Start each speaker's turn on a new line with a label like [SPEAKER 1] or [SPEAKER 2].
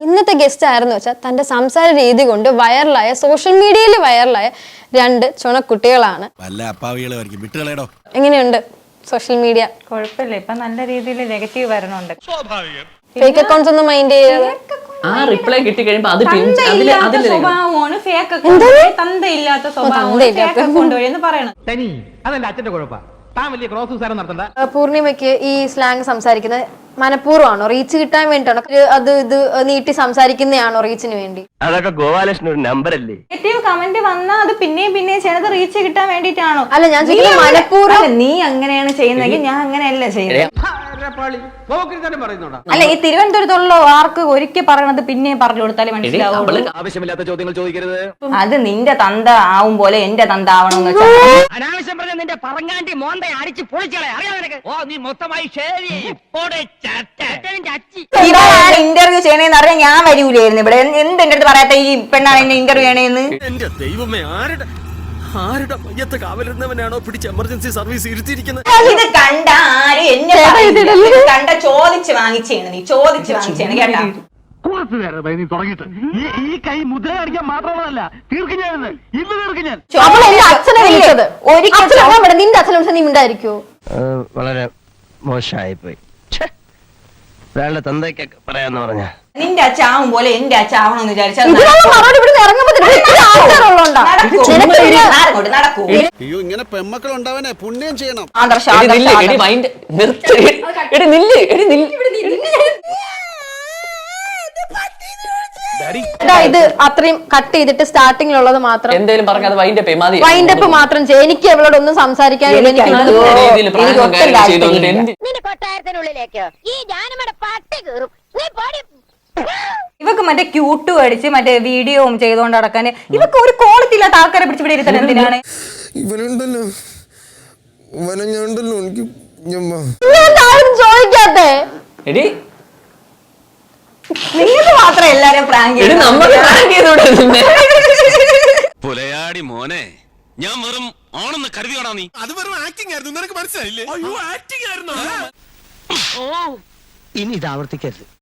[SPEAKER 1] ഇന്നത്തെ ഗസ്റ്റ് ആയിരുന്നു വെച്ചാൽ തന്റെ സംസാര രീതി കൊണ്ട് വൈറലായ സോഷ്യൽ മീഡിയയിൽ വൈറലായ രണ്ട് ചുണക്കുട്ടികളാണ്. എങ്ങനെയുണ്ട് സോഷ്യൽ മീഡിയ?
[SPEAKER 2] കുഴപ്പമില്ല, ഇപ്പൊ നല്ല രീതിയിൽ നെഗറ്റീവ് വരണുണ്ട്.
[SPEAKER 1] ഫേക്ക് അക്കൗണ്ട്സ് ഒന്നും മൈൻഡ് ചെയ്യാതെ
[SPEAKER 3] ആ റിപ്ലൈ കിട്ടി കഴിയുമ്പോ അത്
[SPEAKER 2] സ്വഭാവമാണ് ഫേക്ക് അക്കൗണ്ട്, തന്തയില്ലാത്ത സ്വഭാവമാണ് ഫേക്ക് അക്കൗണ്ട് വഴി എന്ന് പറയണം.
[SPEAKER 4] അതെന്റെ അച്ഛന്റെ കുഴപ്പ. താൻ വലിയ ക്രോസ് ഉസാരം നടത്തണ്ട.
[SPEAKER 1] പൂർണിമയ്ക്ക് ഈ സ്ലാങ് സംസാരിക്കുന്നത് മനഃപൂർവ്വമാണോ, റീച്ച് കിട്ടാൻ വേണ്ടിട്ടാണോ, അത് ഇത് നീട്ടി സംസാരിക്കുന്നതാണോ റീച്ചിന് വേണ്ടി?
[SPEAKER 5] അതൊക്കെ ഗോപാലകൃഷ്ണൻ ഒരു നമ്പർ അല്ലേ?
[SPEAKER 2] നെഗറ്റീവ് കമന്റ് വന്നാൽ അത് പിന്നെയും ചെയ്യണത് റീച്ച് കിട്ടാൻ വേണ്ടിട്ടാണോ?
[SPEAKER 1] അല്ല, ഞാൻ മനഃപൂർവ്വം.
[SPEAKER 2] നീ അങ്ങനെയാണ് ചെയ്യുന്നതെങ്കിൽ ഞാൻ അങ്ങനെയല്ല ചെയ്യുന്നത്. അല്ല, ഈ തിരുവനന്തപുരത്തുള്ള ആർക്ക് ഒരിക്കൽ പറയണത് പിന്നെ പറഞ്ഞു കൊടുത്താലേ മനസ്സിലാവുള്ളൂ.
[SPEAKER 5] ആവശ്യമില്ലാത്ത ചോദ്യങ്ങൾ ചോദിക്കരുത്.
[SPEAKER 2] അത് നിന്റെ തന്ത ആവും പോലെ എന്റെ തന്ത ആവണമെന്ന് വെച്ചാൽ
[SPEAKER 5] അനാവശ്യം പറഞ്ഞ നിന്റെ പറങ്ങാണ്ടി മോന്തെ അടിച്ച് പൊളിച്ചളെ അറിയാം നിനക്ക്. ഓ നീ മൊത്തമായി
[SPEAKER 2] ഇന്റർവ്യൂ ചെയ്യണേന്ന് അറിയാൻ ഞാൻ വരൂലായിരുന്നു ഇവിടെ. എന്ത് എന്റെ അടുത്ത് പറയാത്ത ഈ പെണ്ണാണ് എന്നെ ഇന്റർവ്യൂ ചെയ്യണേന്ന്?
[SPEAKER 6] എന്റെ ദൈവമേ, ആരുടെ മയ്യത്ത് കാവലിരുന്നവനാണോ പിടിച്ച് എമർജൻസി സർവീസ് ഇരുത്തിയിരിക്കുന്നത്?
[SPEAKER 2] ഇത് കണ്ട ആരും എന്നെ കണ്ട ചോദിച്ച് വാങ്ങിച്ചാണ്, നീ ചോദിച്ച് വാങ്ങിച്ചാണ് കേട്ടാ.
[SPEAKER 4] നീ തുടങ്ങിയിട്ട് ഈ കൈ മുദ്ര കാണിക്കാൻ മാത്രമല്ല, തീർക്കും ഞാൻ ഇന്ന് തീർക്കും ഞാൻ.
[SPEAKER 1] അച്ഛനെ വിളിച്ചത് ഒരിക്കലും നിന്റെ അച്ഛനെ വിളിച്ചത് നീ ഉണ്ടായിരിക്കോ?
[SPEAKER 5] വളരെ മോശമായി പോയി. ഒരാളുടെ തന്തയ്ക്കൊക്കെ പറയാന്ന് പറഞ്ഞ
[SPEAKER 2] നിന്റെ അച്ഛാവും പോലെ എന്റെ അച്ഛാവണമെന്ന് വിചാരിച്ചാൽ നടക്കൂ.
[SPEAKER 6] അയ്യോ, ഇങ്ങനെ പെമ്മക്കൾ ഉണ്ടാവനെ പുണ്യം ചെയ്യണം.
[SPEAKER 1] ഇത് അത്രയും കട്ട് ചെയ്തിട്ട് സ്റ്റാർട്ടിങ്ങിലുള്ളത് മാത്രം
[SPEAKER 3] എന്തേലും പറഞ്ഞത്
[SPEAKER 1] വൈൻഡപ്പ് മാത്രം ചെയ്യും. എനിക്ക് അവളോട് ഒന്നും സംസാരിക്കാൻ
[SPEAKER 2] ഇവക്ക് മറ്റേ ക്യൂട്ടും അടിച്ച് മറ്റേ വീഡിയോ ചെയ്തോണ്ട് നടക്കാൻ ഇവക്ക് ഒരു ക്വാളിറ്റി ഇല്ലാത്ത ആൾക്കാരെ പിടിച്ച് ഇവിടെ ഇരുത്താൻ എന്തിനാണ്?
[SPEAKER 7] ഇവനുണ്ടല്ലോ എനിക്ക്
[SPEAKER 1] ചോദിക്കാത്തെ
[SPEAKER 2] നിങ്ങൾക്ക് മാത്രം എല്ലാരും പ്രാങ്ക്
[SPEAKER 6] പുലയാടി മോനെ, ഞാൻ വെറും ആണെന്ന് കരുതിയോടാ നീ? അത് വെറും ആക്ടിംഗ് ആയിരുന്നു, നിനക്ക് മനസ്സിലായില്ലേ? അയ്യോ, ആക്ടിംഗ് ആയിരുന്നു.
[SPEAKER 5] ഇനി ഇത് ആവർത്തിക്കരുത്.